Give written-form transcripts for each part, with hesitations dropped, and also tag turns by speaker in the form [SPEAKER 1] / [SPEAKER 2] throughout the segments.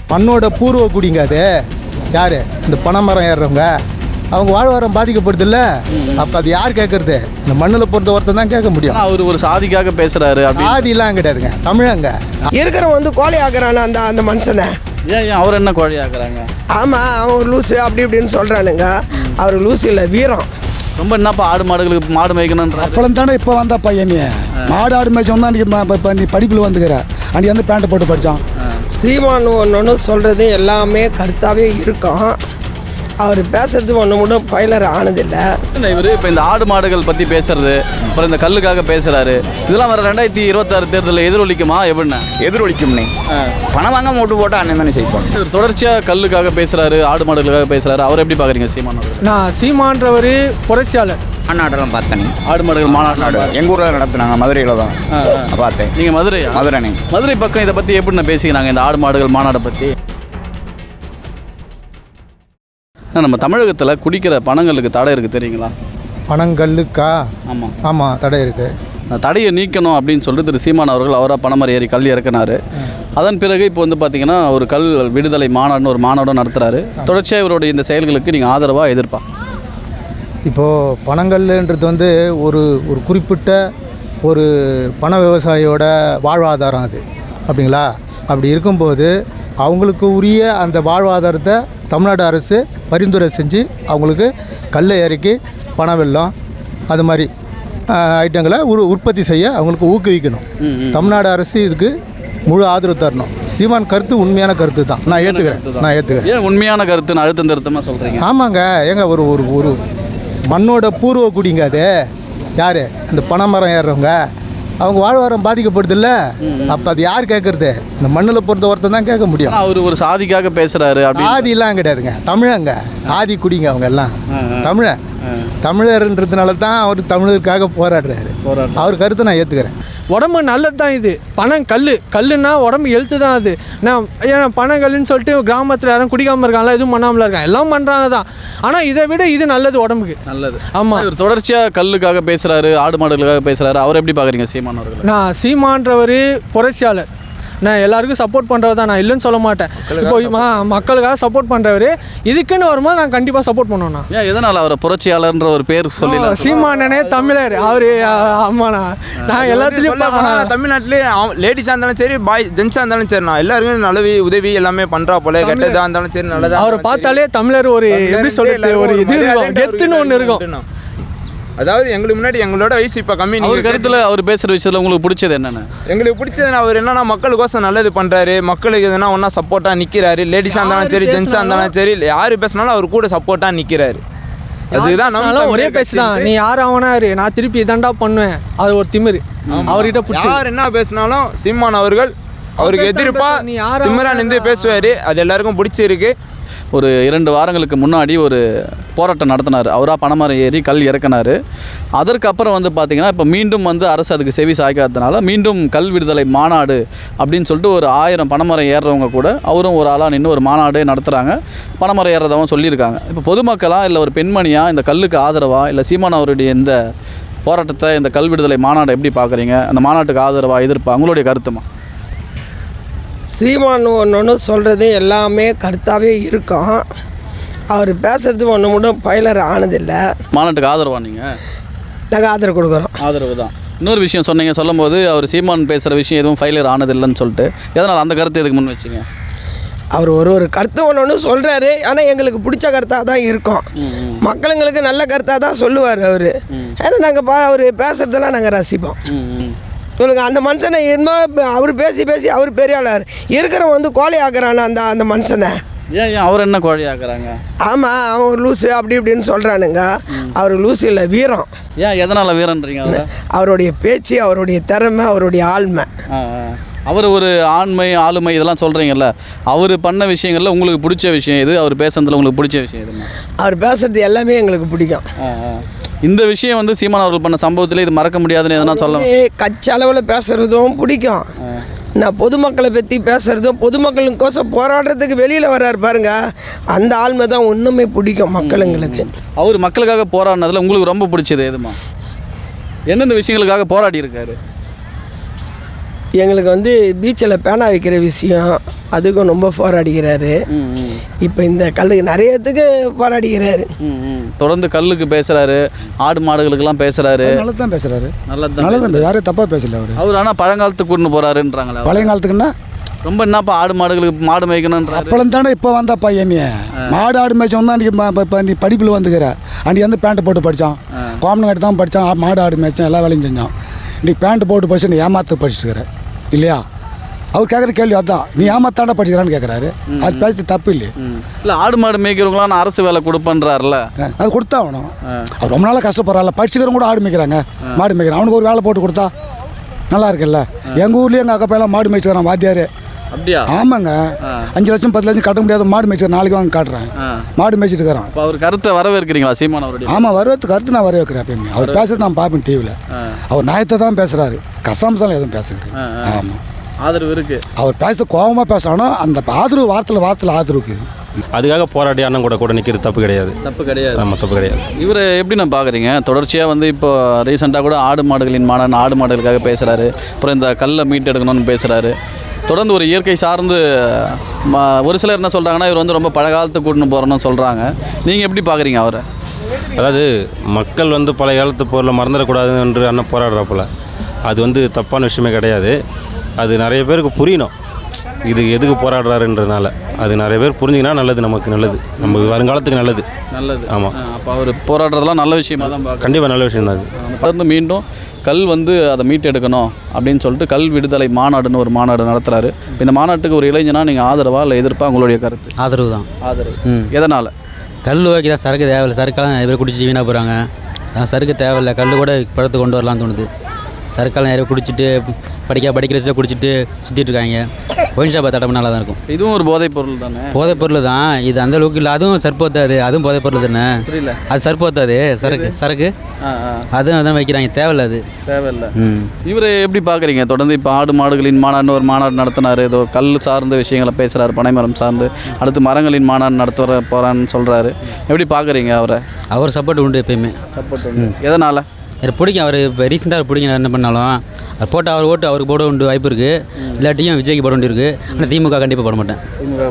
[SPEAKER 1] மண்ணோட பூர்வ குடிங்க அது. யார் இந்த பனைமரம் ஏறுறவங்க, அவங்க வாழ்வாரம் பாதிக்கப்படுதில்ல. அப்போ அது யார் கேட்குறது? இந்த மண்ணில் பொறுத்த ஒருத்தர் தான் கேட்க முடியும்.
[SPEAKER 2] அவர் ஒரு சாதிக்காக பேசுகிறாரு.
[SPEAKER 1] சாதிலாம் கிடையாதுங்க, தமிழங்க.
[SPEAKER 3] இருக்கிறவன் கோழி ஆக்குறானே அந்த மனுஷனை.
[SPEAKER 2] ஏன் அவர் என்ன கோழி ஆக்குறாங்க?
[SPEAKER 3] ஆமாம், அவன் லூஸு அப்படி இப்படின்னு சொல்கிறானுங்க. அவர் லூஸு இல்லை, வீரம்.
[SPEAKER 2] ரொம்ப என்னப்பா ஆடு மாடுகளுக்கு மாடு மேய்க்கணுன்ற
[SPEAKER 4] அப்பளம் தானே இப்போ வந்தா பையன் நீ மாடு ஆடு மேய்ச்சோம் தான் இப்போ நீ படிப்பில் வந்துக்கிற. அன்றைக்கி வந்து பேண்ட்டை போட்டு படித்தான்.
[SPEAKER 3] சீமான் ஒன்று சொல்கிறது எல்லாமே கருத்தாகவே இருக்கும். அவர் பேசுறது ஒன்று மட்டும் பயிலர் ஆனதில்லை.
[SPEAKER 2] இவர் இப்போ இந்த ஆடு மாடுகள் பற்றி பேசுறது, அப்புறம் இந்த கல்லுக்காக பேசுகிறாரு, இதெல்லாம் வர 2026 தேர்தலில் எதிரொலிக்குமா? எப்படின்னா
[SPEAKER 5] எதிரொலிக்கும்னே. பணம் வாங்க ஓட்டு போட்டால் அண்ணன் தானே செய்வாங்க.
[SPEAKER 2] இவர் தொடர்ச்சியாக கல்லுக்காக பேசுகிறாரு, ஆடு மாடுகளுக்காக பேசுகிறாரு. அவர் எப்படி பார்க்குறீங்க சீமான்?
[SPEAKER 6] நான் சீமான்றவர் புரட்சியாளர்.
[SPEAKER 5] மாநாட்டெல்லாம் பார்த்தேன்.
[SPEAKER 2] ஆடு மாடுகள் மாநாடு
[SPEAKER 5] எங்கள் ஊரில் நடத்துனாங்க, மதுரையில் தான் பார்த்தேன்.
[SPEAKER 2] நீங்கள் மதுரை?
[SPEAKER 5] மதுரை.
[SPEAKER 2] மதுரை பக்கம் இதை பற்றி எப்படின்னா பேசிக்கிறாங்க இந்த ஆடு மாடுகள் மாநாடை பற்றி? நம்ம தமிழகத்தில் குடிக்கிற பணங்களுக்கு தடை இருக்குது தெரியுங்களா?
[SPEAKER 1] பனங்கல்லுக்கா?
[SPEAKER 2] ஆமாம்
[SPEAKER 1] ஆமாம், தடை இருக்குது.
[SPEAKER 2] தடையை நீக்கணும் அப்படின்னு சொல்லிட்டு திரு சீமான் அவர்கள் அவராக பனைமரம் ஏறி கல் இறக்குனார். அதன் பிறகு இப்போ வந்து பார்த்திங்கன்னா ஒரு கல் விடுதலை மாநாடுன்னு ஒரு மாநாடும் நடத்துகிறாரு. தொடர்ச்சியாக இவருடைய இந்த செயல்களுக்கு நீங்கள் ஆதரவாக எதிர்ப்பா?
[SPEAKER 1] இப்போது பனங்கல்ன்றது வந்து ஒரு குறிப்பிட்ட ஒரு பண விவசாயியோட வாழ்வாதாரம் அது, அப்படிங்களா? அப்படி இருக்கும்போது அவங்களுக்கு உரிய அந்த வாழ்வாதாரத்தை தமிழ்நாடு அரசு பரிந்துரை செஞ்சு அவங்களுக்கு கல்லை இறக்கி பண வெல்லம் அது மாதிரி ஐட்டங்களை உற்பத்தி செய்ய அவங்களுக்கு ஊக்குவிக்கணும். தமிழ்நாடு அரசு இதுக்கு முழு ஆதரவு தரணும். சீமான் கருத்து உண்மையான கருத்து தான், நான் ஏற்றுக்கிறேன்.
[SPEAKER 2] ஏன் உண்மையான கருத்து அழுத்தம் திருத்தமாக சொல்கிறீங்க?
[SPEAKER 1] ஆமாங்க, ஏங்க ஒரு மண்ணோட பூர்வ குடிங்க அது. யார் இந்த பனைமரம் ஏறுறவங்க, அவங்க வாழ்வாரம் பாதிக்கப்படுதில்ல. அப்போ அது யார் கேட்குறது? இந்த மண்ணில் பொறுத்த ஒருத்தர் தான் கேட்க முடியும்.
[SPEAKER 2] அவர் ஒரு சாதிக்காக பேசுகிறாரு.
[SPEAKER 1] சாதிலாம் கிடையாதுங்க, தமிழங்க. ஆதி குடிங்க அவங்க எல்லாம். தமிழர்ன்றதுனால தான் அவர் தமிழருக்காக போராடுறாரு. அவர் கருத்தை நான் ஏற்றுக்கிறேன்.
[SPEAKER 6] உடம்பு நல்லது தான் இது. கல்லுன்னா உடம்பு ஹெல்த்து தான் அது. நான் ஏன்னா பனங்கல்லுன்னு சொல்லிட்டு கிராமத்தில் யாரும் குடிக்காமல் இருக்காங்களா, எதுவும் பண்ணாமல் இருக்காங்க, எல்லாம் பண்ணுறாங்க தான். ஆனால் இதை விட இது நல்லது, உடம்புக்கு நல்லது. ஆமாம்,
[SPEAKER 2] இவர் தொடர்ச்சியாக கல்லுக்காக பேசுகிறாரு, ஆடு மாடுகளுக்காக பேசுகிறாரு. அவர் எப்படி பார்க்குறீங்க சீமான் அவர்கள்?
[SPEAKER 6] நான் சீமான்றவர் புரட்சியாளர். நான் எல்லாருக்கும் சப்போர்ட் பண்ணுறவர் தான், நான் இல்லைன்னு சொல்ல மாட்டேன். இப்போ மக்களுக்காக சப்போர்ட் பண்ணுறவர். இதுக்குன்னு வரும்போது நான் கண்டிப்பாக சப்போர்ட் பண்ணுவேண்ணா.
[SPEAKER 2] ஏன் எதனால் அவரை புரட்சியாளர்ன்ற ஒரு பேர் சொல்லி?
[SPEAKER 6] சீமானனே தமிழர் அவர். ஆமாண்ணா, நான் எல்லாத்துலேயும்
[SPEAKER 7] தமிழ்நாட்டிலே லேடிஸாக இருந்தாலும் சரி, ஜென்ஸாக இருந்தாலும் சரிண்ணா, எல்லாருக்கும் நல்ல உதவி எல்லாமே பண்ணுறா போல. கெட்டதாக இருந்தாலும் சரி, நல்லதாக.
[SPEAKER 6] அவரை பார்த்தாலே தமிழர் ஒரு எப்படி சொல்கிறது, ஒரு இது இருக்கும், கெத்துன்னு ஒன்று இருக்கும்.
[SPEAKER 7] அதாவது எங்களுக்கு முன்னாடி எங்களோட வயசு இப்போ கம்மி.
[SPEAKER 2] நீங்கள் கருத்தில் அவர் பேசுகிற விஷயத்தில் உங்களுக்கு பிடிச்சது என்னென்ன?
[SPEAKER 7] எங்களுக்கு பிடிச்சதுன்னா அவர் என்னன்னா மக்களுக்கோசம் நல்லது பண்ணுறாரு. மக்களுக்கு எதுனா ஒன்றா சப்போர்ட்டாக நிற்கிறாரு. லேடிஸாக இருந்தாலும் சரி, ஜென்ஸாக இருந்தாலும் சரி, யார் பேசினாலும் அவர் கூட சப்போர்ட்டாக நிற்கிறாரு. அதுதான் நம்ம
[SPEAKER 6] ஒரே பேச்சு தான். நீ யார் ஆவனாரு, நான் திருப்பி இதாண்டா பண்ணுவேன், அது ஒரு திமிரு. அவர்கிட்ட பிடிச்சி
[SPEAKER 7] யார் என்ன பேசினாலும் சீமான் அவர்கள் அவருக்கு எதிர்ப்பாக திமிரா நின்று பேசுவார். அது எல்லாருக்கும் பிடிச்சிருக்கு.
[SPEAKER 2] ஒரு 2 வாரங்களுக்கு முன்னாடி ஒரு போராட்டம் நடத்தினார். அவராக பனைமரம் ஏறி கல் இறக்குனார். அதற்கப்புறம் வந்து பார்த்திங்கன்னா இப்போ மீண்டும் வந்து அரசு அதுக்கு செவி சாய்க்காததுனால மீண்டும் கல் விடுதலை மாநாடு அப்படின்னு சொல்லிட்டு ஒரு 1000 பனைமரம் ஏறுறவங்க கூட அவரும் ஒரு ஆளாக நின்று ஒரு மாநாடே நடத்துகிறாங்க. பனைமரம் ஏறுறதாகவும் சொல்லியிருக்காங்க. இப்போ பொதுமக்களாக இல்லை ஒரு பெண்மணியாக இந்த கல்லுக்கு ஆதரவாக இல்லை சீமான் அவருடைய இந்த போராட்டத்தை, இந்த கல் விடுதலை மாநாடு எப்படி பார்க்குறீங்க? அந்த மாநாட்டுக்கு ஆதரவாக எதிர்ப்பா? உங்களுடைய கருத்துமா?
[SPEAKER 3] சீமான் ஒன்று சொல்கிறது எல்லாமே கருத்தாகவே இருக்கும். அவர் பேசுறது ஒன்று மட்டும் பயிலர் ஆனதில்லை.
[SPEAKER 2] மாநாட்டுக்கு ஆதரவா நீங்கள்?
[SPEAKER 3] நாங்கள் ஆதரவு கொடுக்குறோம்.
[SPEAKER 2] ஆதரவு தான். இன்னொரு விஷயம் சொன்னீங்க, சொல்லும்போது அவர் சீமான் பேசுகிற விஷயம் எதுவும் ஃபெயிலியர் ஆனதில்லைன்னு சொல்லிட்டு, எதனால் அந்த கருத்தை எதுக்கு முன் வச்சிங்க?
[SPEAKER 3] அவர் ஒரு கருத்து ஒன்று சொல்கிறாரு. ஆனால் எங்களுக்கு பிடிச்ச கருத்தாக தான் இருக்கும். மக்களுங்களுக்கு நல்ல கருத்தாக தான் சொல்லுவார் அவர். ஏன்னா நாங்கள் அவர் பேசுகிறதெல்லாம் நாங்கள் ரசிப்போம். சொல்லுங்க, அந்த மனுஷனை என்ன அவர் பேசி அவர் பெரிய ஆளார். இருக்கிறவன் கோழி ஆக்குறானே அந்த மனுஷனை.
[SPEAKER 2] ஏன் அவர் என்ன கோழி ஆக்குறாங்க?
[SPEAKER 3] ஆமாம், அவன் லூஸு அப்படி இப்படின்னு சொல்கிறானுங்க. அவர் லூஸு இல்லை, வீரம்.
[SPEAKER 2] ஏன் எதனால் வீரன்றீங்க?
[SPEAKER 3] அவருடைய பேச்சு, அவருடைய திறமை, அவருடைய ஆளுமை.
[SPEAKER 2] அவர் ஒரு ஆண்மை ஆளுமை இதெல்லாம் சொல்கிறீங்கல்ல, அவர் பண்ண விஷயங்களில் உங்களுக்கு பிடிச்ச விஷயம் எது? அவர் பேசுறதுல உங்களுக்கு பிடிச்ச விஷயம் எதுமா?
[SPEAKER 3] அவர் பேசுறது எல்லாமே எங்களுக்கு பிடிக்கும்.
[SPEAKER 2] இந்த விஷயம் வந்து சீமான் அவர்கள் பண்ண சம்பவத்தில் இது மறக்க முடியாதுன்னு எதனா சொல்லலாம்?
[SPEAKER 3] கட்சி அளவில் பேசுகிறதும் பிடிக்கும். நான் பொதுமக்களை பற்றி பேசுகிறதும், பொதுமக்களுக்கோசம் போராடுறதுக்கு வெளியில் வர்றாரு பாருங்க, அந்த ஆளுமை தான் ஒன்றுமே பிடிக்கும் மக்களுங்களுக்கு.
[SPEAKER 2] அவர் மக்களுக்காக போராடினதில் உங்களுக்கு ரொம்ப பிடிச்சது எதுமா? எந்தெந்த விஷயங்களுக்காக போராடி இருக்காரு?
[SPEAKER 3] எங்களுக்கு பீச்சில் பேனா வைக்கிற விஷயம், அதுக்கும் ரொம்ப போராடிக்கிறாரு. இப்போ இந்த கல்லுக்கு நிறையத்துக்கு போராடிக்கிறாரு.
[SPEAKER 2] தொடர்ந்து கல்லுக்கு பேசுகிறாரு, ஆடு மாடுகளுக்கெல்லாம் பேசுகிறாரு.
[SPEAKER 4] நல்லது தான் பேசுகிறாரு,
[SPEAKER 2] நல்லது
[SPEAKER 4] நல்லது யாரும் தப்பாக பேசல அவர்.
[SPEAKER 2] ஆனால் பழங்காலத்துக்கு கூட்டின்னு போகிறாருன்றாங்களா?
[SPEAKER 4] பழைய காலத்துக்குன்னா
[SPEAKER 2] ரொம்ப என்னப்பா ஆடு மாடுகளுக்கு மாடு மேய்க்கணுன்ற
[SPEAKER 4] அப்பளம் தானே இப்போ வந்தா பையன் மாடு ஆடு மேய்ச்சவன் தான் இப்போ நீ படிப்பில் வந்துக்கிற. அன்றைக்கி வந்து பேண்ட்டு போட்டு படித்தான், கோமனங்காட்டி தான் படித்தான், மாடு ஆடு மேய்ச்சான், எல்லா வேலையும் செஞ்சான். இன்றைக்கி பேண்ட்டு போட்டு படிச்சு நீ ஏமாற்ற படிச்சுக்கிற இல்லையா? அவர் கேட்குற கேள்வி அதுதான், நீ ஏமாத்தாண்டா படிச்சுக்கிறான்னு கேட்குறாரு. அது பேசி தப்பு இல்லையே.
[SPEAKER 2] இல்லை ஆடு மாடு மேய்க்கிறவங்களாம் நான் அரசு வேலை கொடுப்பேன்றாருல,
[SPEAKER 4] அது கொடுத்தா ஆகணும். அவர் ரொம்ப நாளாக கஷ்டப்படுறாள், படிச்சுக்கிறவங்க கூட ஆடு மேய்க்கிறாங்க, மாடு மேய்க்கிறான். அவனுக்கு ஒரு வேலை போட்டு கொடுத்தா நல்லா இருக்குல்ல. எங்கள் ஊர்லேயே எங்கள் அக்கா பையெல்லாம் மாடு மேய்ச்சிக்கிறான் வாத்தியார்.
[SPEAKER 2] அப்படியா?
[SPEAKER 4] ஆமாங்க, 5 லட்சம் 10 லட்சம் கட்ட முடியாத மாடு மேய்ச்சி நாளைக்கு வாங்க காட்டுறேன். மாடு மேய்ச்சிட்டு இருக்கிறான்.
[SPEAKER 2] இப்போ அவர் கருத்தை வரவேற்கிறீங்களா சீமான் அவருடைய?
[SPEAKER 4] ஆமாம், வரவேற்று கருத்து நான் வரவேற்கிறேன். எப்பயுமே அவர் பேசுறது நான் பார்ப்பேன் டிவியில். அவர் நியாயத்தை தான் பேசுகிறாரு, கசாம்சாலம் எதுவும் பேசுகிறது. ஆமாம்,
[SPEAKER 2] ஆதரவு இருக்குது.
[SPEAKER 4] அவர் பேசுறது கோபமாக பேசுகிறானோ அந்த ஆதரவு வார்த்தையில் ஆதரவுக்கு
[SPEAKER 8] அதுக்காக போராடி அண்ணன் கூட நிற்கிறது தப்பு கிடையாது.
[SPEAKER 2] தப்பு கிடையாது.
[SPEAKER 8] ஆமாம், தப்பு கிடையாது.
[SPEAKER 2] இவர் எப்படி நான் பார்க்குறீங்க? தொடர்ச்சியாக வந்து இப்போ ரீசெண்டாக கூட ஆடு மாடுகளின் மாநாடு, ஆடு மாடுகளுக்காக பேசுகிறாரு. அப்புறம் இந்த கல்லை மீட்டெடுக்கணும்னு பேசுகிறாரு. தொடர்ந்து ஒரு இயற்கை சார்ந்து ஒரு சிலர் என்ன சொல்கிறாங்கன்னா இவர் வந்து ரொம்ப பழங்காலத்துக்கு கூட்டின்னு போகிறோன்னு சொல்கிறாங்க. நீங்கள் எப்படி பார்க்குறீங்க அவரை?
[SPEAKER 8] அதாவது மக்கள் வந்து பழைய காலத்து பொருளை மறந்துடக்கூடாது என்று அண்ணன் போராடுறப்போல அது வந்து தப்பான விஷயமே கிடையாது. அது நிறைய பேருக்கு புரியணும், இது எதுக்கு போராடுறாருன்றதுனால. அது நிறைய பேர் புரிஞ்சிங்கன்னா நல்லது, நமக்கு நல்லது, நம்ம வருங்காலத்துக்கு நல்லது.
[SPEAKER 2] நல்லது.
[SPEAKER 8] ஆமாம்,
[SPEAKER 2] அப்போ அவர் போராடுறதெல்லாம் நல்ல விஷயமாக தான் பார்க்க.
[SPEAKER 8] கண்டிப்பாக நல்ல விஷயம் தான் அது.
[SPEAKER 2] தொடர்ந்து மீண்டும் கல் வந்து அதை மீட்டெடுக்கணும் அப்படின்னு சொல்லிட்டு கல் விடுதலை மாநாடுன்னு ஒரு மாநாடு நடத்துகிறாரு. இப்போ இந்த மாநாட்டுக்கு ஒரு இளைஞனா நீங்கள் ஆதரவா இல்லை எதிர்ப்பா? உங்களுடைய கருத்து?
[SPEAKER 9] ஆதரவு தான்.
[SPEAKER 2] ஆதரவு. எதனால்?
[SPEAKER 9] கல் ஓகே தான், சரக்கு தேவையில்லை. சரக்கெல்லாம் நிறைய பேர் குடிச்சு வீணாக போகிறாங்க. சரக்கு தேவையில்லை, கல் கூட படத்தை கொண்டு வரலான்னு தோணுது. சரக்கெல்லாம் நிறைய குடிச்சிட்டு படிக்கிற வயசில் குடிச்சிட்டு சுற்றிட்டு இருக்காங்க. ஒயின் ஷாப்பை தடை நல்லா தான் இருக்கும்.
[SPEAKER 2] இதுவும் ஒரு போதைப் பொருள் தானே?
[SPEAKER 9] போதைப் பொருள் தான் இது, அந்த அளவுக்கு இல்லை. அதுவும் சர்ப்போத்தாது, அதுவும் போதைப் பொருள் தானே.
[SPEAKER 2] புரியல.
[SPEAKER 9] அது சர்ப்போத்தாது, சரக்கு அதுவும் அதான் வைக்கிறாங்க, தேவையில்லை. அது தேவையில்லை.
[SPEAKER 2] இவர் எப்படி பார்க்குறீங்க? தொடர்ந்து இப்போ ஆடு மாடுகளின் மாநாடுன்னு ஒரு மாநாடு நடத்தினார். ஏதோ கல் சார்ந்த விஷயங்களை பேசுகிறாரு, பனைமரம் சார்ந்து. அடுத்து மரங்களின் மாநாடு நடத்த போகிறான்னு சொல்கிறாரு. எப்படி பார்க்குறீங்க அவரை?
[SPEAKER 9] அவர் சப்போர்ட் உண்டு எப்பயுமே.
[SPEAKER 2] சப்போர்ட் உண்டு. எதனால்?
[SPEAKER 9] எனக்கு பிடிக்கும் அவர். இப்போ ரீசெண்டாக அவர் பிடிக்கும், என்ன பண்ணாலும் அது போட்டு அவர் ஓட்டு அவருக்கு போட உண்டு வாய்ப்பு இருக்குது. இல்லாட்டியும் விஜய்க்கு போட வேண்டி இருக்குது. ஆனால் திமுக கண்டிப்பாக போட மாட்டேன்.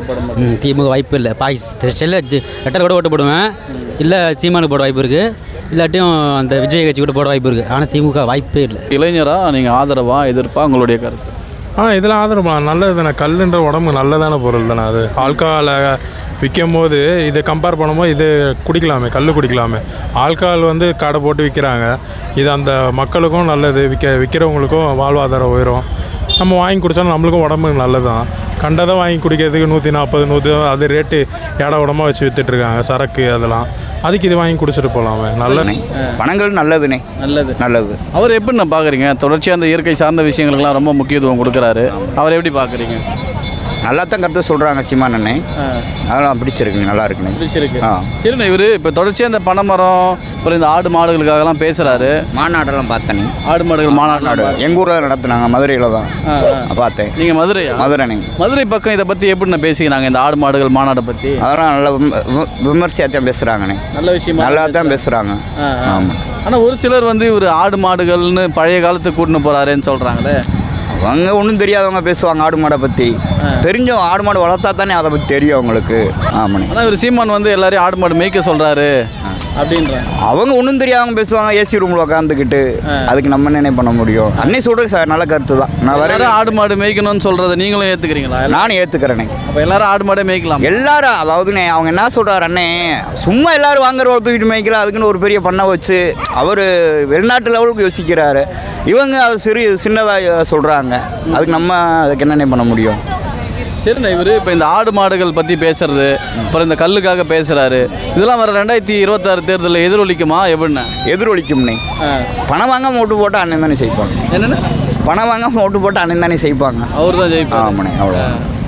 [SPEAKER 9] திமுக வாய்ப்பு இல்லை. செல்ல லெட்டர் கூட ஓட்டு போடுவேன். இல்லை சீமானுக்கு போட வாய்ப்பு இருக்குது. இல்லாட்டியும் அந்த விஜய் கட்சி கூட போட வாய்ப்பு இருக்குது. ஆனால் திமுக வாய்ப்பே இல்லை.
[SPEAKER 2] இளைஞராக நீங்கள் ஆதரவா எதிர்ப்பா? உங்களுடைய கருத்து?
[SPEAKER 10] இதில் ஆதரவு நல்லது தானே. கல்லுன்ற உடம்பு நல்லதான பொருள் தானே. அது ஆல்கஹாலை விற்கும் போது இதை கம்பேர் பண்ணும்போது இது குடிக்கலாமே, கல் குடிக்கலாமே. ஆல்கஹால் வந்து கடை போட்டு விற்கிறாங்க. இது அந்த மக்களுக்கும் நல்லது, விற்கிறவங்களுக்கும் வாழ்வாதாரம் உயரும். நம்ம வாங்கி குடித்தாலும் நம்மளுக்கும் உடம்புக்கு நல்லது தான். கண்டதை வாங்கி குடிக்கிறதுக்கு 140 100 அது ரேட்டு ஏட உடம்பாக வச்சு விற்றுட்ருக்காங்க, சரக்கு அதெல்லாம். அதுக்கு இது வாங்கி குடிச்சிட்டு போகலாமே. நல்லது.
[SPEAKER 5] பணங்கள் நல்லதுண்ணே. நல்லது.
[SPEAKER 2] அவர் எப்படி நான் பார்க்குறீங்க? தொடர்ச்சியாக அந்த இயற்கை சார்ந்த விஷயங்களுக்கெல்லாம் ரொம்ப முக்கியத்துவம் கொடுக்குறாரு. அவர் எப்படி பார்க்குறீங்க?
[SPEAKER 5] நல்லா தான் கருத்து சொல்கிறாங்க சீமான் அண்ணே. அதெல்லாம் பிடிச்சிருக்குங்க, நல்லா இருக்குண்ணே.
[SPEAKER 2] பிடிச்சிருக்கு. சரிண்ணே. இவர் இப்போ தொடர்ச்சியாக இந்த பனைமரம், அப்புறம் இந்த ஆடு மாடுகளுக்காகலாம் பேசுகிறாரு.
[SPEAKER 5] மாநாடெல்லாம் பார்த்தேனே.
[SPEAKER 2] ஆடு மாடுகள் மாநாடு
[SPEAKER 5] எங்கள் ஊரில் நடத்துனாங்க, மதுரையில் தான் பார்த்தேன்.
[SPEAKER 2] நீங்கள் மதுரையா?
[SPEAKER 5] மதுரைண்ணே.
[SPEAKER 2] மதுரை பக்கம் இதை பற்றி எப்படி நான் பேசிக்கிறாங்க, இந்த ஆடு மாடுகள் மாநாட்டை பற்றி?
[SPEAKER 5] அதெல்லாம் நல்லா விமர்சையாக தான் பேசுகிறாங்கண்ணே.
[SPEAKER 2] நல்ல விஷயமா
[SPEAKER 5] நல்லா தான் பேசுகிறாங்க. ஆமாம்.
[SPEAKER 2] ஆனால் ஒரு சிலர் வந்து இவர் ஆடு மாடுகள்னு பழைய காலத்துக்கு கூட்டின்னு போகிறாருன்னு சொல்கிறாங்களே.
[SPEAKER 5] அவங்க ஒன்றும் தெரியாதவங்க பேசுவாங்க ஆடு மாடை பற்றி. தெரிஞ்சோம், ஆடு மாடு வளர்த்தா தானே அதை பற்றி தெரியும் அவங்களுக்கு. ஆமாண்ணே.
[SPEAKER 2] ஆனால் இவர் சீமான் வந்து எல்லாரையும் ஆடு மாடு மேய்க்க சொல்கிறாரு அப்படின்றாங்க.
[SPEAKER 5] அவங்க ஒன்றும் தெரியாதவங்க பேசுவாங்க, ஏசி ரூமில் உட்காந்துக்கிட்டு. அதுக்கு நம்ம என்ன பண்ண முடியும்? அன்னை சொல்கிறது நல்ல கருத்து தான். நான் வேறு
[SPEAKER 2] ஆடு மாடு மேய்க்கணும்னு சொல்கிறத நீங்களும் ஏற்றுக்கிறீங்களா?
[SPEAKER 5] நானும் ஏற்றுக்கிறேனே.
[SPEAKER 2] அப்போ எல்லாரும் ஆடு மாடே மேய்க்கலாம்.
[SPEAKER 5] எல்லாரும் அதாவதுண்ணே, அவங்க என்ன சொல்கிறார் அண்ணே, சும்மா எல்லோரும் வாங்குற தூக்கிட்டு மேய்க்கல, அதுக்குன்னு ஒரு பெரிய பண்ணை வச்சு அவர் வெளிநாட்டு லெவலுக்கு யோசிக்கிறாரு. இவங்க அது சின்னதாக சொல்கிறாங்க. அதுக்கு நம்ம அதுக்கு என்னென்ன பண்ண முடியும்?
[SPEAKER 2] சரிண்ணா. இவர் இப்போ இந்த ஆடு மாடுகள் பற்றி பேசுறது, அப்புறம் இந்த கல்லுக்காக பேசுகிறாரு, இதெல்லாம் வர 2026 தேர்தலில் எதிரொலிக்குமா? எப்படின்னா
[SPEAKER 5] எதிரொலிக்கும்னே. பணம் வாங்காமல் ஓட்டு போட்டால் அண்ணன் தானே செய்வாங்க.
[SPEAKER 2] என்னென்ன?
[SPEAKER 5] பணம் வாங்காமல் ஓட்டு போட்டால் அண்ணன் தானே செய்வாங்க.
[SPEAKER 2] அவர் தான் ஜெயிப்பார்.
[SPEAKER 5] ஆமாண்ணே, அவ்வளோ.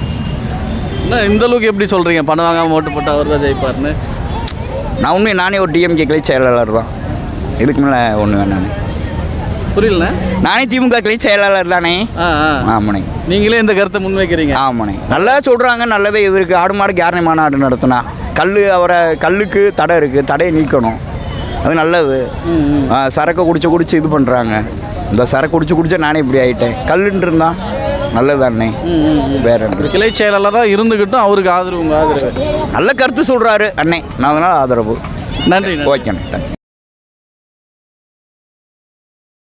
[SPEAKER 2] என்ன இந்த அளவுக்கு எப்படி சொல்கிறீங்க, பணம் வாங்காமல் ஓட்டு போட்டால் அவர் தான் ஜெயிப்பார்னு?
[SPEAKER 5] நானே ஒரு டிஎம்கே கிளை செயலாளர் தான். இதுக்கு மேலே ஒன்று வேணாண்ணே.
[SPEAKER 2] புரியலண்ணே.
[SPEAKER 5] நானே திமுக கிளை செயலாளர் தானே. ஆமாண்ணே.
[SPEAKER 2] நீங்களே இந்த கருத்தை முன்வைக்கிறீங்க.
[SPEAKER 5] ஆமாண்ணே. நல்லா சொல்கிறாங்க, நல்லதே இது இருக்குது. ஆடு மாடு கேரணி மாநாடு நடத்தினா கல்லுக்கு தடை இருக்குது, தடையை நீக்கணும். அது நல்லது. சரக்கை குடிச்சு இது பண்ணுறாங்க. இந்த சரக்கு குடிச்சு நானே இப்படி ஆகிட்டேன். கல்லுன்னு இருந்தால் நல்லது அண்ணே. வேற என்ன?
[SPEAKER 2] ஒரு கிளை செயலாளராக இருந்துக்கிட்டும் அவருக்கு ஆதரவு, உங்கள் ஆதரவு.
[SPEAKER 5] நல்ல கருத்து சொல்கிறாரு அண்ணே, நான் அதனால் ஆதரவு.
[SPEAKER 2] நன்றி.
[SPEAKER 5] ஓகேண்ணே.